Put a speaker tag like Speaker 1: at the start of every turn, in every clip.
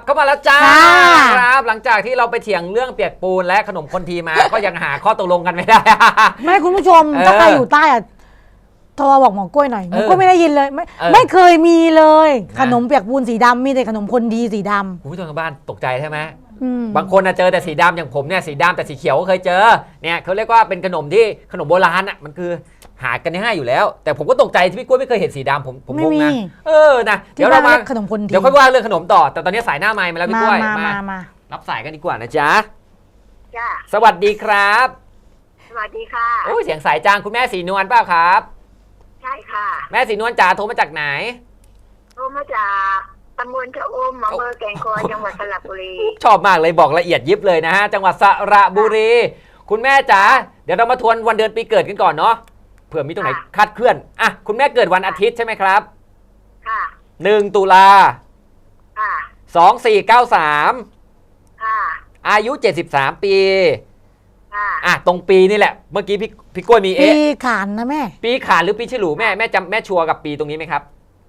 Speaker 1: เข้ามาแล้วจ้า
Speaker 2: ค่ะ
Speaker 1: ครับหลังจากที่เราไปเถียงเรื่องเปียกปูนและขนมคนทีมา ก็ยังหาข้อตกลงกันไม่ได้
Speaker 2: ไม่คุณผู้ชมถ้าใครอยู่ใต้อะโทรมาบอกหมอกล้วยหน่อยหมอกล้วยไม่ได้ยินเลยไม่เคยมีเลย ขนมเปียกปูนสีดำมีแต่ขนมคนดีสีดำ
Speaker 1: คุณผู้ชมทางบ้านตกใจใช่ไหม
Speaker 2: บา
Speaker 1: บางคนเจอแต่สีดำอย่างผมเนี่ยสีดำแต่สีเขียวก็เคยเจอเนี่ยเขาเรียกว่าเป็นขนมที่ขนมโบราณอ่ะมันคือหากันง่ายอยู่แล้ว แต่ผมก็ตกใจที่พี่กล้วยไม่เคยเห็นสีดำผมงงนะนะเดี๋ยวเรามา
Speaker 2: ขนมคนดี
Speaker 1: เดี๋ยวค่อยว่าเรื่องขนมต่อแต่ตอนนี้สายหน้าไมค์มาแล้วพี่กล้วย
Speaker 2: มา
Speaker 1: รับสายกันดีกว่านะจ๊ะ
Speaker 3: จ้า
Speaker 1: สวัสดีครับ
Speaker 3: สวัสดีค่ะ
Speaker 1: โอ้ยเสียงสายจางคุณแม่สีนวลเปล่าครับ
Speaker 3: ใช่ค่ะ
Speaker 1: แม่สีนวลจ๋าโทรมาจากไหน
Speaker 3: โทรมาจากตำบลชะอมอำเภอแก่งคอยจังหวัดสระบุรี
Speaker 1: ชอบมากเลยบอกละเอียดยิบเลยนะฮะจังหวัดสระบุรี คุณแม่จ๋าเดี๋ยวเรามาทวนวันเดือนปีเกิดกันก่อนเนาะเผื่อมีตรงไหนคลาดเคลื่อนอ่ะคุณแม่เกิดวันอาทิตย์ใช่ไหมครับ
Speaker 3: ค่ะ
Speaker 1: 1 ตุลา
Speaker 3: ค่ะ
Speaker 1: 2493
Speaker 3: ค่ะ
Speaker 1: อายุ73 ปี
Speaker 3: ค่ะ
Speaker 1: อ่ะตรงปีนี่แหละเมื่อกี้พี่กล้วยมี
Speaker 2: ปี
Speaker 1: เอ๊ะ
Speaker 2: ขานนะแม่
Speaker 1: ปีขานหรือปีฉลูแม่จำแม่ชัวร์กับปีตรงนี้ไหมครับ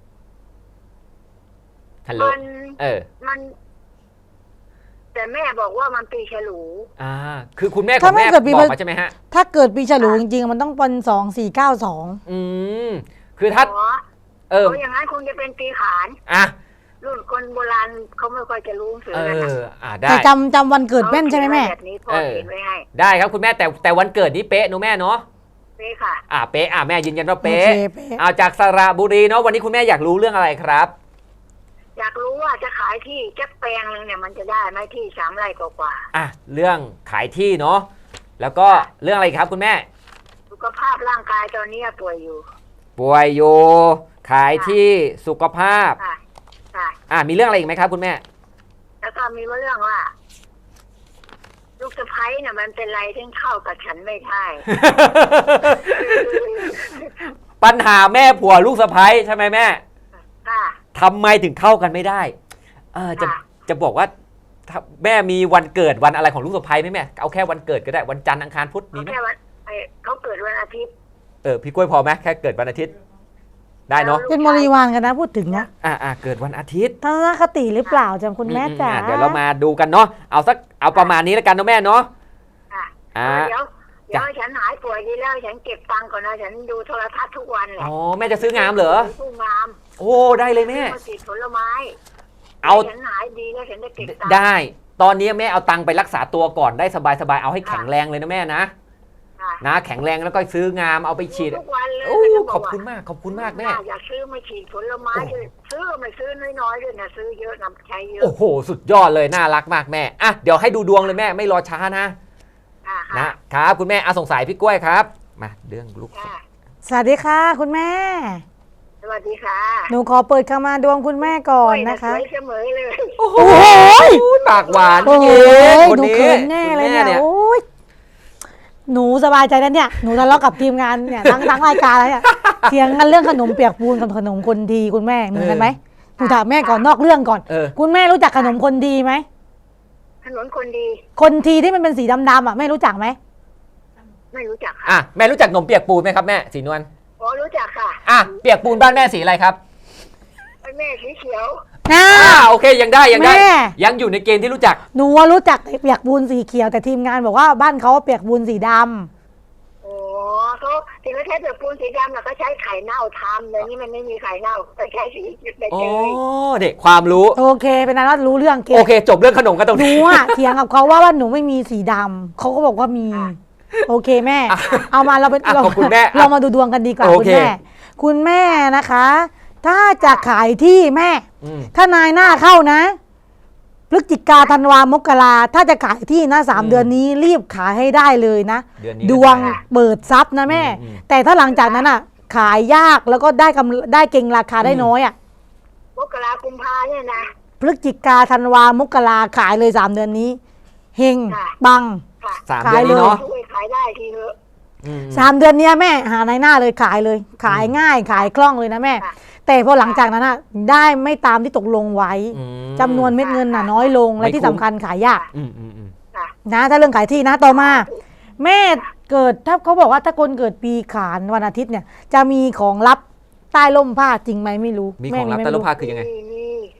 Speaker 1: ฮัลโหล
Speaker 3: มัน แต่แม่บอกว่ามันปีฉลู
Speaker 1: คือคุณแม่ขอ
Speaker 2: ถ้าง แม่
Speaker 1: แม่
Speaker 2: เกิดปี
Speaker 1: บอกมาใช่ไหมฮะ
Speaker 2: ถ้าเกิดปีฉลูจริงๆมันต้องเป็น2492
Speaker 1: คือถ้า
Speaker 3: เขาอย่างนั้นคงจะเป็นปีขาน
Speaker 1: อ่ะ
Speaker 3: รุ่นคนโบราณเขาไม่ค่อยจะรู้หนังสือกันนะ
Speaker 1: ได้
Speaker 2: แต่จำวันเกิดแม่นใช่ไหมแม่
Speaker 3: แบบนี้พ่อเขียนไว้ให้
Speaker 1: ได้ครับคุณแม่แต่วันเกิดนี้เป๊ะเนอะแม่เนาะ
Speaker 3: นี่ค่ะ
Speaker 1: เป๊ะแม่ยืนยันว่า
Speaker 2: โอ
Speaker 1: เป๊ะ
Speaker 2: เคเป๊ะ
Speaker 1: จากสระบุรีเนาะวันนี้คุณแม่อยากรู้เรื่องอะไรครับ
Speaker 3: อยากรู้ว่าจะขายที่แจ็คแปลงนึงเนี่ยมันจะได้ไหมที่3 ไร่กว่า
Speaker 1: เรื่องขายที่เนาะแล้วก็เรื่องอะไรครับคุณแม่
Speaker 3: ๆสุขภาพร่างกายตอนนี้ป่วยอยู่
Speaker 1: ป่วยโยขายที่สุขภาพ
Speaker 3: ค่ะค่ะ
Speaker 1: มีเรื่องอะไรอีกไหมครับคุณแม่
Speaker 3: แล้วก็มีเรื่องว่า ลูกสะใภ้เนี่ยมันเป็นไรที่เข้ากับฉันไม่ได้
Speaker 1: ปัญหาแม่ผัวลูกสะใภ้ใช่ไหมแม่
Speaker 3: ค่ะ
Speaker 1: ทำไมถึงเข้ากันไม่ได้จะบอกว่าถ้าแม่มีวันเกิดวันอะไรของลูกสะใภ้ไหมแม่เอาแค่วันเกิดก็ได้วันจันทร์อังคารพุธมีไหม
Speaker 3: แค่วันเขาเกิดวันอาทิตย์
Speaker 1: พี่กล้วยพอไหมแค่เกิดวันอาทิตย์ได้เนาะ
Speaker 2: เป็นบริวารกันนะพูดถึงนะ
Speaker 1: เกิดวันอาทิตย์
Speaker 2: ทัศนคติหรือเปล่าจำคุณแม่จ๋า
Speaker 1: เดี๋ยวเรามาดูกันเนาะเอาประมาณนี้แล้วกันเนาะแม่เนาะ
Speaker 3: ค่ะเดี๋ยวฉันหายป่วยดีแล้วฉันเก็บตังค์ก่อนนะฉันดูโทรทัศน์ทุกวันแหละ
Speaker 1: แม่จะซื้องามเหรอ
Speaker 3: ซื้องาม
Speaker 1: โอ้ได้เลยแม่
Speaker 3: มาฉีดผลไม้ฉันหายดีแล้วฉันจะเก็บตังค์
Speaker 1: ได้ตอนนี้แม่เอาตังค์ไปรักษาตัวก่อนได้สบายๆเอาให้แข็งแรงเลยนะแม่นะแข็งแรงแล้วก็ซื้องามเอาไปฉีด
Speaker 3: ทุกวันเลย
Speaker 1: ขอบคุณมากแม่
Speaker 3: อยากซื้อมาฉีดผลไม้ซื้อไม่ซื้อน้อยๆด้วยนะซื้อเยอะนำใช้เยอะ
Speaker 1: โอ้โหสุดยอดเลยน่ารักมากแม่เดี๋ยวให้ดูดวงเลยแม่ไม่รอช้านะครับคุณแม่สงสัยพี่กล้วยครับมาเรื่องลูก
Speaker 2: สวัสดีค่ะคุณแม่
Speaker 3: สวัสดีค่ะ
Speaker 2: หนูขอเปิดเข้ามาดวงคุณแม่ก่อนนะคะ
Speaker 3: สวยเสมอเลย
Speaker 1: โอ้โหปากหวาน
Speaker 2: โอ้โห
Speaker 1: คน
Speaker 2: หนู
Speaker 1: นี้
Speaker 2: เขินแน่เลยเนี่ยโอ้ยหนูสบายใจแล้วเนี่ยหนูทะเลาะกับทีมงานเนี่ยทั้งรายการแล้วเนี่ยเถียงกันเรื่องขนมเปียกปูนกับขนมคนดีคุณแม่เหมือนกันไหมหนูถามแม่ก่อนนอกเรื่องก่อนคุณแม่รู้จักขนมคนดีไหม
Speaker 3: ถนนคนดี
Speaker 2: คนทีที่มันเป็นสีดำๆแม่รู้จักไหม
Speaker 3: ไม่รู้จักค่ะ
Speaker 1: แม่รู้จักขนมเปียกปูนไหมครับแม่สีนวล
Speaker 3: รู้จักค่ะ
Speaker 1: เปียกปูนบ้านแม่สีอะไรครับ
Speaker 3: แม่สีเขียว
Speaker 1: โอเคยังได้ยังอยู่ในเกณฑ์ที่รู้จัก
Speaker 2: หนูรู้จักเปียกปูนสีเขียวแต่ทีมงานบอกว่าบ้านเขาเปียกปูนสีดำ
Speaker 3: เขาถึงจะใช้เปียกปูนสีดำก็ใช้ไข่เน่าทำแต่นี่มันไม่มีไข่เน่าแต่ใช้สีใบเตย
Speaker 1: เด็กความรู้
Speaker 2: โอเคเป็นนั้นว่ารู้เรื่องเก่ง
Speaker 1: โอเคจบเรื่องขนมกันตรง
Speaker 2: หนู
Speaker 1: นี้
Speaker 2: เถียงกับเขาว่าหนูไม่มีสีดำเขาก็บอกว่ามีโอเคแม่เอามาเราเป็น
Speaker 1: ขอบคุณแม่
Speaker 2: เรามาดูดวงกันดีกว่าคุณแม่นะคะ ถ้าจะขายที่แม่ถ้านายหน้าเข้านะพฤศจิกาธันวามกราถ้าจะขายที่นะ3 เดือนนี้รีบขายให้ได้เลยนะดวงเปิดทรัพย์นะแม่แต่ถ้าหลังจากนั้นขายยากแล้วก็ได้เก่งราคาได้น้อย
Speaker 3: มกรากุมภาเนี่ยนะ
Speaker 2: พฤศจิกาธันวามกราขายเลย3 เดือนนี้เฮงบัง
Speaker 1: 3 เดือนนี้เนาะ
Speaker 3: ขายได้ทีเถอะ
Speaker 2: 3 เดือนนี้แม่หาในหน้าเลยขายเลยขายง่ายขายคล่องเลยนะแม่แต่พอหลังจากนั้นได้ไม่ตามที่ตกลงไว้จำนวนเม็ดเงินน้อยลงและที่สำคัญขายยากนะถ้าเรื่องขายที่นะต่อมาแม่เกิดถ้าเขาบอกว่าถ้าคนเกิดปีขานวันอาทิตย์เนี่ยจะมีของลับใต้ร่มผ้าจริงไหมไม่รู้
Speaker 1: มีของลับใต้ร่มผ้าคือยังไง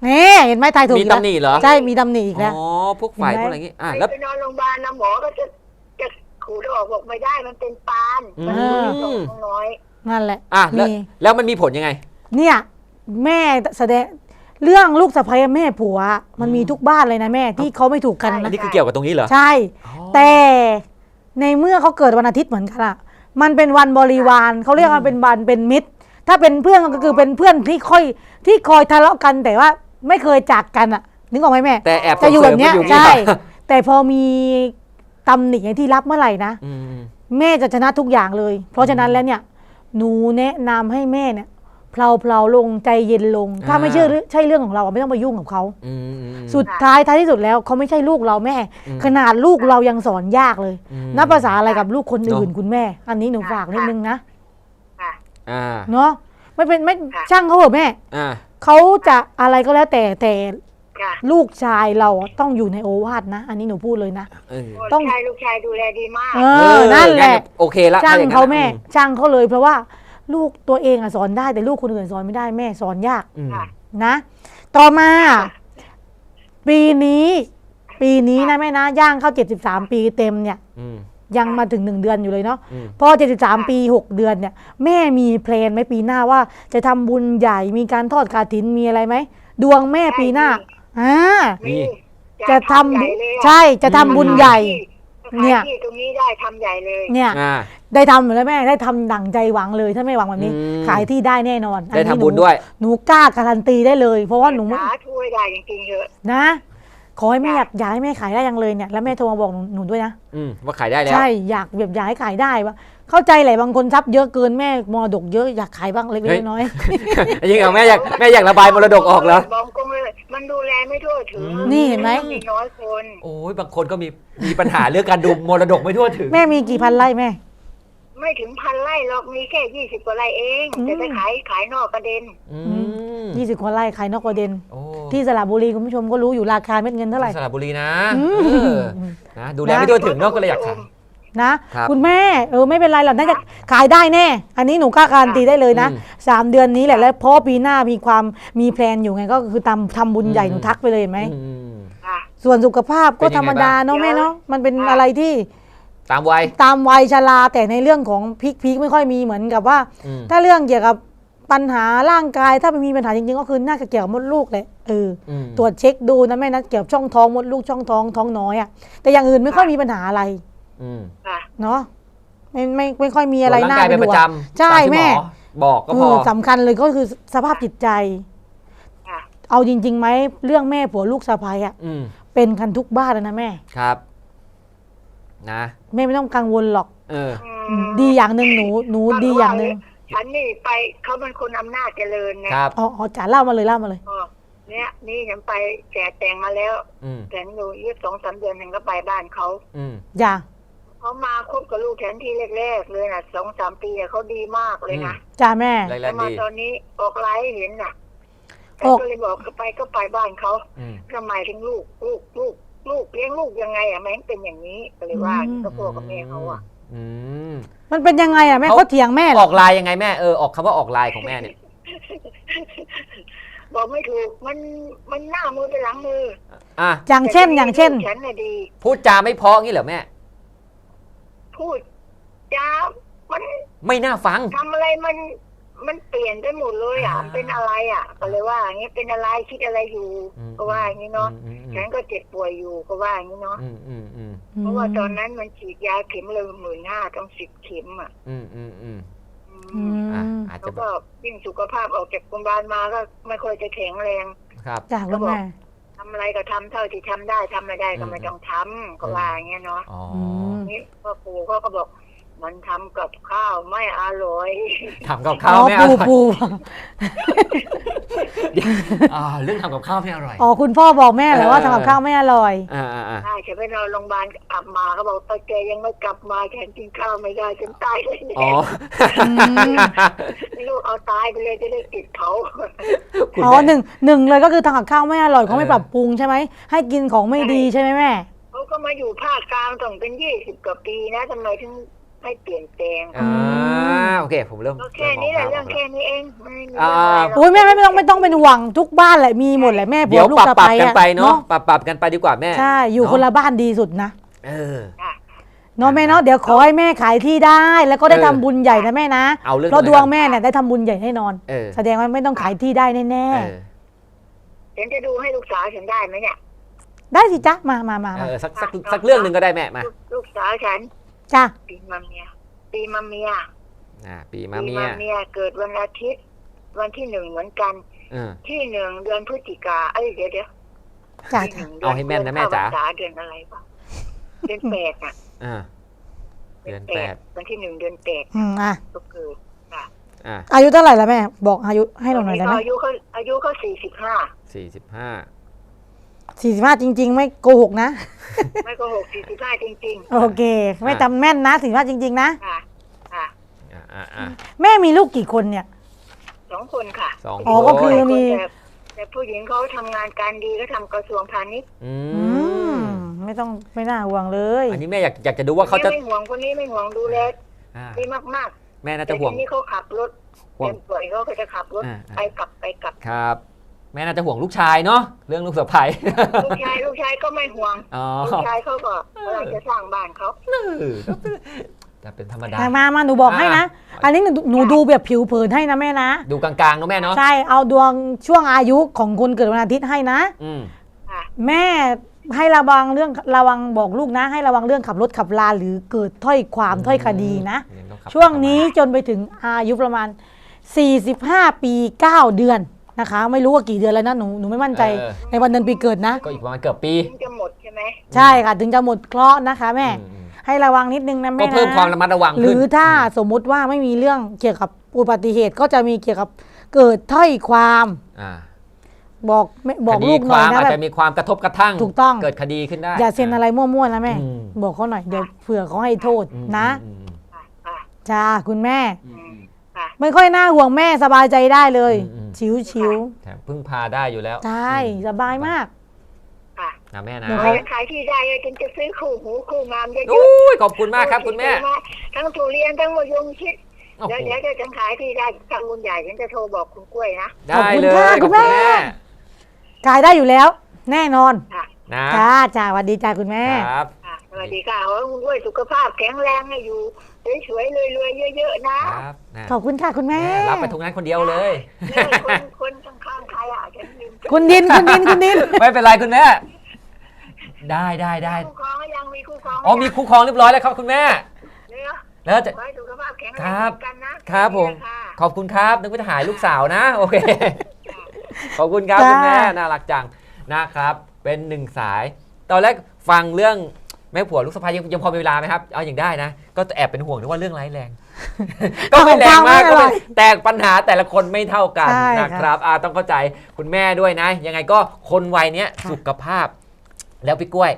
Speaker 2: นี่เห็นไหมทายถูก
Speaker 1: มี
Speaker 2: อีกแล้ว
Speaker 1: ตำหนิเหรอ
Speaker 2: ใช่มีตำหนิอีกแล้ว
Speaker 1: อ๋อพวกไฝพวกอะไรอย่างงี้แล้ว
Speaker 3: ไปนอนโรงพยาบาลนะหมอก็จะขูดออกบอกไม่ได้มันเป็นปาน
Speaker 1: อืม
Speaker 3: มันมีตรงน้อย
Speaker 2: นั่นแหละ
Speaker 1: แล้ว
Speaker 2: มี
Speaker 1: แล้วมันมีผลยังไง
Speaker 2: เนี่ยแม่แสดงเรื่องลูกสะใภ้แม่ผัวมันมีทุกบ้านเลยนะแม่ที่เขาไม่ถูกกัน
Speaker 1: อัน
Speaker 2: นะ
Speaker 1: นี้คือเกี่ยวกับตรงนี้เหรอ
Speaker 2: ใช่
Speaker 1: อ๋อ
Speaker 2: แต่ในเมื่อเขาเกิดวันอาทิตย์เหมือนกันอะมันเป็นวันบริวารเขาเรียกว่าเป็นวันเป็นมิตร ถ้าเป็นเพื่อนก็คือเป็นเพื่อนที่คอยทะเลาะกันแต่ว่าไม่เคยจากกันอะนึกออกไหมแม่
Speaker 1: แต่แอบ
Speaker 2: จะอยู่แบบเนี้ย
Speaker 1: ส่งเสริม
Speaker 2: ใช่
Speaker 1: ไว้อยู่
Speaker 2: แต่พอมีตำหนิอย่างที่รับเมื่อไหร่นะ
Speaker 1: อืม
Speaker 2: แม่จะชนะทุกอย่างเลย เพราะฉะนั้นแล้วเนี่ยหนูแนะนำให้แม่เนี่ยเพลาๆลงใจเย็นลง ถ้าไม่ใช่เรื่องของเราไม่ต้องไปยุ่งกับเขา
Speaker 1: อืม
Speaker 2: สุดท้ายที่สุดแล้วเขาไม่ใช่ลูกเราแม่
Speaker 1: อืม
Speaker 2: ขนาดลูกเรายังสอนยากเลย
Speaker 1: อืม
Speaker 2: นับภาษาอะไรกับลูกคนอื่น
Speaker 1: เนอะ
Speaker 2: คุณแม่ อันนี้หนูฝากนิดนึงนะ
Speaker 3: ค่ะ
Speaker 1: อ่า
Speaker 2: เนาะไม่
Speaker 3: ค่ะ
Speaker 2: ช่างเขาเถอะแม่
Speaker 1: อ่า
Speaker 2: เขาจะอะไรก็แล้วแต่
Speaker 3: ค่ะ
Speaker 2: ลูกชายเราต้องอยู่ในโอวาทนะ อันนี้หนูพูดเลยนะ
Speaker 1: เออ
Speaker 2: ต้อง
Speaker 3: ลูกชายดูแลดีมาก
Speaker 2: เออนั่นแหละ
Speaker 1: โอเคละ
Speaker 2: ช่าง
Speaker 1: ถ้อย่นั้น
Speaker 2: เขาแม่
Speaker 1: อื
Speaker 2: ช่างเขาเลยเพราะว่าลูกตัวเองอะสอนได้แต่ลูกคนอื่นสอนไม่ได้แม่สอนยาก
Speaker 1: อืม
Speaker 3: ค่ะ
Speaker 2: นะ ต่อมา ปีนี้นะแม่นะย่างเข้า73 ปีเต็มเนี่ย
Speaker 1: อืม
Speaker 2: ยังมาถึง1 เดือนอยู่เลยเนาะ
Speaker 1: อืม
Speaker 2: พอ73 ปี 6 เดือนเนี่ยแม่มีแพลนไหมปีหน้าว่าจะทำบุญใหญ่มีการทอดกฐินมีอะไรไหมดวงแม่ปีหน้าอ่า
Speaker 1: มี
Speaker 2: จะทำ
Speaker 3: ใหญ่เลยอะ
Speaker 2: ใช่จะทำบุญใหญ่ เนี่
Speaker 3: เนี่ย ยที่ตรงนี้ได้ทำใหญ่เลย
Speaker 2: เนี่ย
Speaker 1: อ่า
Speaker 2: ได้ทำอยู่แล้วแม่ได้ทำดั่งใจหวังเลยถ้าไม่หวังแบบนี้
Speaker 1: อืม
Speaker 2: ขายที่ได้แน่นอน
Speaker 1: ได้
Speaker 2: อันนี้
Speaker 1: ทำบุญด้วย
Speaker 2: หนูกล้าการันตีได้เลย เพราะว่าหนูไม่
Speaker 3: สาธุให้ได้จริงๆเถอะ
Speaker 2: นะ ขอให้แม่อยากให้แม่ขายได้ยังเลยเนี่ยแล้วแม่โทรมาบอกหนูด้วยนะ
Speaker 1: ว่าขายได้แล้ว
Speaker 2: ใช่อยากแบบอยากให้ขายได้ว่าเข้าใจแหละบางคนทรัพย์เยอะเกินแม่มรดกเยอะอยากขายบ้างเล็ก
Speaker 1: เฮ้ย
Speaker 2: ๆน้อย
Speaker 1: จริงเหรอแม่อยากระบายมรดกออกแล้ว
Speaker 3: บอกก็ไม่มันดูแลไม่ทั่วถึง
Speaker 2: นี่เห็นไหม
Speaker 3: มีน้อยคน
Speaker 1: โอ้ยบางคนก็มีปัญหาเรื่องการดูมรดกไม่ทั่วถึง
Speaker 2: แม่มีกี่พันไร่แม่
Speaker 3: ไม่ถึง1,000 ไร่หรอกมีแค่20 กว่าไร่เอง
Speaker 2: อืม
Speaker 3: แต่ไปขายนอกประเด็น
Speaker 1: อืม
Speaker 2: 20 กว่าไร่ขายนอกประเด็น
Speaker 1: โอ้
Speaker 2: ที่สระบุรีคุณผู้ชมก็รู้อยู่ราคาเม็ดเงินเท่าไหร่
Speaker 1: สระบุรีนะ
Speaker 2: อืม
Speaker 1: เออนะดูแลไม่ทั่วถึงเนาะก็เลยอยากขาย
Speaker 2: นะครับ คุณแม่ไม่เป็นไรหรอกน่าจะขายได้แน่ อันนี้หนูกล้าการันตีได้เลยนะ
Speaker 1: อืม
Speaker 2: 3 เดือนนี้แหละแล้วเพราะปีหน้ามีแพลนอยู่ไงก็คือทำบุญใหญ่หนูทักไปเลยเห็นไหม
Speaker 1: อืม
Speaker 3: ค่ะ
Speaker 2: ส่วนสุขภาพก็
Speaker 1: เป็นยังไง
Speaker 2: ธรรมดาเนาะ
Speaker 3: บ้าง
Speaker 2: แม่เนาะมันเป็น
Speaker 3: ค่ะ
Speaker 2: อะไรที่
Speaker 1: ตามวัย
Speaker 2: ตามวัยชราแต่ในเรื่องของพีคไม่ค่อยมีเหมือนกับว่า
Speaker 1: อืม
Speaker 2: ถ้าเรื่องเกี่ยวกับปัญหาร่างกายถ้ามันมีปัญหาจริงๆก็คือน่าจะเกี่ยวกับมดลูกเลย
Speaker 1: อืม
Speaker 2: ตรวจเช็คดูนะแม่นะเกี่ยวกับช่องท้องมดลูกช่องท้องท้องน้อยอะแต่อย่างอื่นไม่ค่อยมีปัญหาอะไร
Speaker 1: อืม
Speaker 3: ค่ะ
Speaker 2: เนาะไม่ค่อยมีอะไร
Speaker 1: ตวจ
Speaker 2: น่า
Speaker 1: ร่างกาย
Speaker 2: เป็
Speaker 1: เป็น นป
Speaker 2: ห่ว
Speaker 1: ระ
Speaker 2: ง
Speaker 1: จำ
Speaker 2: ใช่
Speaker 1: ตามที่
Speaker 2: แม่
Speaker 1: หอบอกก็พอ
Speaker 2: สำคัญเลยก็คือสภาพจิตใจ
Speaker 3: ค่ะ
Speaker 2: เอาจริงๆไหมเรื่องแม่ผัวลูกสะใภ้อะ
Speaker 1: อืม
Speaker 2: เป็นกันทุกบ้านเลยนะแม่
Speaker 1: ครับ นะ
Speaker 2: แม่ไม่ต้องกังวลหรอก
Speaker 1: เออ
Speaker 2: ดีอย่างหนึ่งหนูดีอย่างหนึ่ง
Speaker 3: ฉันนี่ไปเขาเป็นคนอำนาจเจริญไง
Speaker 1: ครับ
Speaker 2: อ๋อจ๋าเล่ามาเลย
Speaker 3: อ๋อเนี่ยนี่ฉันไปแต่งมาแล้ว
Speaker 1: อืม
Speaker 3: แต่งอยู่22-23 เดือนฉันก็ไปบ้านเขา
Speaker 1: อืม
Speaker 2: อย่า
Speaker 3: เขามาคบกับลูกแทนที่แรกๆเลยนะ2-3 ปีอะเขาดีมากเลยนะ
Speaker 2: จ้าแม่
Speaker 1: แร
Speaker 3: แล้
Speaker 1: ก
Speaker 3: ว
Speaker 1: ๆ
Speaker 3: มา
Speaker 1: ดี
Speaker 3: ตอนนี้ออกไลฟ์เห็นน่ะ
Speaker 2: ออก
Speaker 3: ก็เลยบอกก็ไปบ้านเขา
Speaker 1: อืม
Speaker 3: ทำไมถึงลูกเลี้ยงลูกยังไงอ่ะแม่งเป็นอย่างนี้ก็เลยว่าก็พ่อกับแม่เขาอ่ะ
Speaker 1: อืม
Speaker 2: มันเป็นยังไงอ่ะแม่
Speaker 1: เขา
Speaker 2: เขาเถียงแม่เหร
Speaker 1: อ
Speaker 2: อ
Speaker 1: อกลายยังไงแม่ออกคำว่าออกลายของแม่เนี่ย
Speaker 3: บอกไม่ถูกมันหน้ามือไปหลังมือ
Speaker 1: อ่ะ
Speaker 2: อย่างเช่น
Speaker 3: แต่ลูกฉันน่ะดี
Speaker 1: พูดจาไม่เพราะงี้เหรอแม่
Speaker 3: พูดจ้ามัน
Speaker 1: ไม่น่าฟัง
Speaker 3: ทำอะไรมันเปลี่ยนไปหมดเลยอ่ะมันเป็นอะไรอ่ะ ก็เลยว่าอย่างนี้เป็นอะไรคิดอะไรอยู่
Speaker 1: อืม
Speaker 3: ก็ว่าอย่างนี้เนาะ
Speaker 1: อืม
Speaker 3: ฉันก็เจ็บป่วยอยู่ก็ว่าอย่างนี้เนาะ
Speaker 1: อืมอืมอืม
Speaker 3: เพราะว่าตอนนั้นมันฉีดยาเข็มเลย15,000ต้อง10 เข็มอ่ะ
Speaker 1: อืมอืมอืม
Speaker 2: อืม
Speaker 1: อ่ะอาจ
Speaker 3: แล้
Speaker 1: จะ
Speaker 3: ว
Speaker 1: แบ
Speaker 3: ก็
Speaker 1: บ
Speaker 3: ยิ่งสุขภาพออกจากโรงพยาบาลมาก็ไม่ค่อยจะแข็งแรง
Speaker 1: ครับ
Speaker 2: จ้าคุณแม่
Speaker 3: ทำอะไรก็ทำเท่าที่ทำได้ทำไม่ได้ก็ไม่ต้องทำก็ว่าอย่างเงี้ยเนาะ
Speaker 1: อ๋อ
Speaker 3: นี่พ่อปู่เขาก็บอก มันทำกับข้าวไม่อร่อย
Speaker 1: ทำกับข้าวไม่อร่อย
Speaker 2: ปู
Speaker 1: เรื่องทำกับข้าวไม่อร่อย
Speaker 2: อ๋อคุณพ่อบอกแม่เลยว่าทำกับข้าวไม่อร่อย
Speaker 1: อ่า
Speaker 3: ใช่ฉันไปนอนโรงพยาบาลกลับมาเขาบอกตาแกยังไม่กลับมาแกกินข้าวไม่ได้จนตายเลย
Speaker 1: อ๋อ
Speaker 3: ลูกเอาตายไปเลยจะได้ติดเขา
Speaker 1: คุณ
Speaker 2: อ๋อ
Speaker 1: แม่
Speaker 2: หนึ่งเลยก็คือทำกับข้าวไม่อร่อยเขาไม่ปรับปรุงใช่ไหมให้กินของไม่ดีใช่ไหมแม่
Speaker 3: เขาก็มาอยู่ภาคกลางต้องเป็น20 กว่าปีนะทำไมถึงให้เปลี่ยนแปลง
Speaker 1: โอเคผมเริ่ม
Speaker 3: ก็แค่นี้แหละเรื่องแค่นี้เองไม่มี
Speaker 1: อ่า
Speaker 3: อะไรหรอก
Speaker 2: โอ้ยแม่ไม่ต้องเป็นห่วงทุกบ้านแหละมีหมดแหละแม่ผั
Speaker 1: เดี๋ยว ว
Speaker 2: ลูก
Speaker 1: ปรับ
Speaker 2: สะ
Speaker 1: ปรับ
Speaker 2: ใภ้
Speaker 1: กัน
Speaker 2: อะ
Speaker 1: ไปเนาะปรับกันไปดีกว่าแม่
Speaker 2: ใช่อยู่คนละบ้านดีสุดนะ
Speaker 1: เออ
Speaker 3: ค่ะ
Speaker 2: เนาะแม่เนาะเดี๋ยวขอให้แม่ขายที่ได้ แล้วก็ได้ทำบุญใหญ่นะแม่นะ
Speaker 1: เอาเรื่อง
Speaker 2: เพราะดวงแม่เนี่ยได้ทำบุญใหญ่แน่นอน
Speaker 1: เออ
Speaker 2: แสดงว่าไม่ต้องขายที่ได้แน่
Speaker 1: เออ
Speaker 3: ฉันจะดูให้ลูกสาวฉันได้ไหมเนี่ย
Speaker 2: ๆได้สิจ๊ะมา
Speaker 1: เออสักเรื่องหนึ่งก็ได้แม่มา
Speaker 3: ลูกสาวฉัน
Speaker 2: จ้ะ
Speaker 3: ปีมะเมียปีมะเมีย
Speaker 1: ปีมาเมีย
Speaker 3: เกิดวันอาทิตย์วันที่ 1เหมือนกัน
Speaker 1: เออ
Speaker 3: ที่ 1 เดือนพฤศจิกาเดี๋ยว
Speaker 2: จ้ะ
Speaker 3: ที่
Speaker 2: จ้ะ
Speaker 3: 1
Speaker 1: เอาให้แม่นนะแม่จ๋า
Speaker 3: เดือนอะไรวะเดือน8น่ะ
Speaker 1: เดือน 8
Speaker 3: วันที่ 1 เดือน8
Speaker 2: อ่ะ
Speaker 3: ก็เกิดค่ะ
Speaker 2: อายุเท่าไหร่ละแม่บอกอายุให้เราหน่อยได้ไหม
Speaker 3: อายุเขา45
Speaker 2: 45จริง ๆ ไม่โกหกนะ
Speaker 3: ไม่ก็45จริงๆ
Speaker 2: โอเคไม่จำแม่นนะ45จริง ๆ นะ
Speaker 3: ค่ะค่ะ
Speaker 2: แม่มีลูกกี่คนเนี่ย
Speaker 3: 2 คนค่ะ
Speaker 1: 2
Speaker 2: อ๋อก็คือ มี
Speaker 3: แต่ผู้หญิงเขาทำงานการดีก็ทำกระทรวงพาณิชย์
Speaker 2: ไม่น่าห่วงเลย
Speaker 1: อันนี้แม่อยากจะดูว่าเขาจะ
Speaker 3: ไม่ห่วงคนนี้ไม่ห่วงดูแลดีมาก
Speaker 1: แม่
Speaker 3: ๆ
Speaker 1: น่า
Speaker 3: แต่
Speaker 1: จะห่วง
Speaker 3: ทีนี้เขาขับรถ
Speaker 1: ห่วง
Speaker 3: เป่วยเขาก็จะขับรถไปกลับ
Speaker 1: ครับ แม่น่าจะห่วงลูกชายเนาะเรื่องลูกสะใภ้
Speaker 3: ลูกชายก็ไม่ห่วง
Speaker 1: อ๋อ
Speaker 3: ลูกชายเขาก็กำลังจะสร้างบ้านเขา
Speaker 1: จะเป็นธรรมดา
Speaker 2: มาหนูบอกให้นะ อันนี้หนูดูแบบผิวเผินให้นะแม่นะ
Speaker 1: ดูกลางๆเนาะแม่เนาะ
Speaker 2: ใช่เอาดวงช่วงอายุของคนเกิดวันอาทิตย์ให้นะ
Speaker 3: ค่ะ
Speaker 2: แม่ให้ระวังบอกลูกนะ ให้ระวังเรื่องขับรถขับลาหรือเกิดถ้อยความถ้อยคดีนะ ช่วงนี้จนไปถึงอายุประมาณ45 ปี 9 เดือนนะคะ ไม่รู้ว่ากี่เดือนแล้วนะหนูไม่มั่นใจในวันเดือนปีเกิดนะ
Speaker 1: ก็อีกประมาณเกือบปี
Speaker 3: ถึงจะหมดใช่ไหม
Speaker 2: ใช่ค่ะถึงจะหมดเคราะห์นะคะแม่ให้ระวังนิดนึงนะแม่
Speaker 1: ก็
Speaker 2: นะ
Speaker 1: เพิ่มความระมัดระวัง
Speaker 2: ห
Speaker 1: ขึ้น
Speaker 2: รือถ้าสมมุติว่าไม่มีเรื่องเกี่ยวกับอุบัติเหตุก็จะมีเกี่ยวกับเกิดถ้อยความบอกลูกหน่อยนะ
Speaker 1: อาจ
Speaker 2: แบบ
Speaker 1: จะมีความกระทบกระทั่ง
Speaker 2: ถูกต้อง
Speaker 1: เกิดคดีขึ้นได้
Speaker 2: อย่าเซ็นอะไรมั่วๆนะแม่
Speaker 1: อืม
Speaker 2: บอกเขาหน่อยเดี๋ยวเผื่อเขาให้โทษนะ
Speaker 3: ค่ะ
Speaker 2: จ้าคุณแม่
Speaker 3: ค่ะ
Speaker 2: ไม่ค่อยน่าห่วงแม่สบายใจได้เลย ชิว
Speaker 1: แถมพึ่งพาได้อยู่แล้ว
Speaker 2: ๆใช่สบายมาก
Speaker 3: ค่ะ
Speaker 1: นะแม่นะ
Speaker 2: เดี๋ยว
Speaker 3: จะขายที่ได้จึงจะซื้อคู่หูคู่งามเยอะ
Speaker 1: อุ้ยขอบคุณมากครับคุณแม่
Speaker 3: ทั้งทุเรียนทั้งมะยงชิด
Speaker 1: โอ้โห
Speaker 3: เดี๋ยวจะขายที่ได้ทำบุญใหญ่ฉันจะโทรบอกคุณกล้วยนะ
Speaker 1: ได้เลย
Speaker 2: ขอบคุณค่ะคุณแม่ กายได้อยู่แล้ว แน่นอน
Speaker 3: ค่ะ
Speaker 1: นะ
Speaker 2: จ้าสวัสดีจ้าคุณแม่
Speaker 1: ครับ
Speaker 3: ค่ะสวัสดีค่ะขอให้คุณกล้วยสุขภาพแข็งแรงให้อยู่สวยๆรวยๆเยอะๆนะครับ
Speaker 1: นะ
Speaker 2: ขอบคุณค่ะคุณแม่
Speaker 1: รับไปทุกนั้นคนเดียวเลย
Speaker 3: คนข้างๆใครฉันลืม
Speaker 2: คุณดิน
Speaker 1: ไม่เป็นไรคุณแม่ ได้
Speaker 3: คู่ครองก็ยังมีคู่ครอง
Speaker 1: อ๋อมีคู่ครองเรียบร้อยแล้วครับคุณแม่
Speaker 3: เนื้อ
Speaker 1: แล้วจะ
Speaker 3: ขอให้สุขภาพแข็งแรง
Speaker 1: ครับ
Speaker 3: กันนะครับ
Speaker 1: ผม
Speaker 3: ค่ะ
Speaker 1: ขอบคุณครับนึกว่าจะหายลูกสาวนะโอเค ขอบคุณครับ
Speaker 2: จ้า
Speaker 1: คุณแม่น่ารักจังนะครับ เป็นหนึ่งสาย ตอนแรกฟังเรื่องแม่ผัวลูกสะใภ้ยังพอมีเวลาไหมครับเอาอย่างได้นะ ก็แอบเป็นห่วงด้วยว่าเรื่องร้ายแรง ก็ไม่แรงมากก็ไม่แต่ปัญหาแต่ละคนไม่เท่ากัน
Speaker 2: ใช่
Speaker 1: นะครับต้องเข้าใจคุณแม่ด้วยนะ ยังไงก็คนวัยเนี้ย
Speaker 2: ค่ะ
Speaker 1: สุขภาพ แล้วพี่กล้วย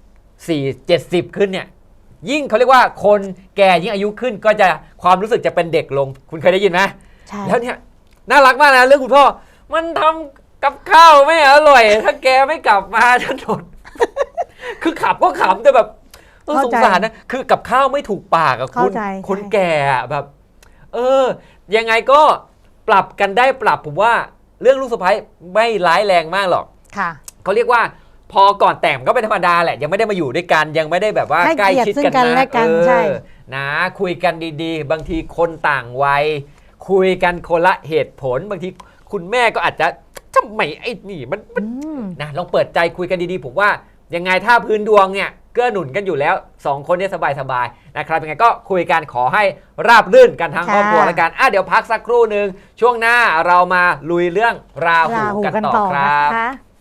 Speaker 1: 70ขึ้นเนี่ยยิ่งเขาเรียกว่าคนแก่ยิ่งอายุขึ้นก็จะความรู้สึกจะเป็นเด็กลง คุณเคยได้ยินไหม
Speaker 2: ใช่
Speaker 1: แล้วเนี่ยน่ารักมากนะเรื่องคุณพ่อมันทำกับข้าวไม่อร่อย ถ้าแกไม่กลับมาฉันทน คือขับก็ขำแต่แบบสงสารนะคือกับข้าวไม่ถูกปากอะคุณ
Speaker 2: เข้าใจ
Speaker 1: คนแก่อะแบบ ยังไงก็ปรับกันได้ปรับผมว่าเรื่องลูกสะใภ้ไม่ร้ายแรงมากหรอก
Speaker 2: ค่ะ
Speaker 1: เขาเรียกว่าพอก่อนแต่งก็เป็นธรรมดาแหละยังไม่ได้มาอยู่ด้วยกันยังไม่ได้แบบว่า
Speaker 2: ให้
Speaker 1: ใกล้
Speaker 2: เกียรติ
Speaker 1: ชิด
Speaker 2: ซึ่ง
Speaker 1: กัน
Speaker 2: กัน
Speaker 1: นะ
Speaker 2: และกันใช่
Speaker 1: นะคุยกันดีๆ บางทีคนต่างวัยคุยกันคนละเหตุผล บางทีคุณแม่ก็อาจจะทำไมไอ้นี่มันนะลองเปิดใจคุยกันดีๆผมว่ายังไงถ้าพื้นดวงเนี่ยเกื้อหนุนกันอยู่แล้ว2คนเนี่ยสบายๆนะครับยังไงก็คุยกันขอให้ราบรื่นกันทั้งครอบครัวแล้วกันเดี๋ยวพักสักครู่หนึ่งช่วงหน้าเรามาลุยเรื่องราหูกันต่อครับ
Speaker 2: นะคะ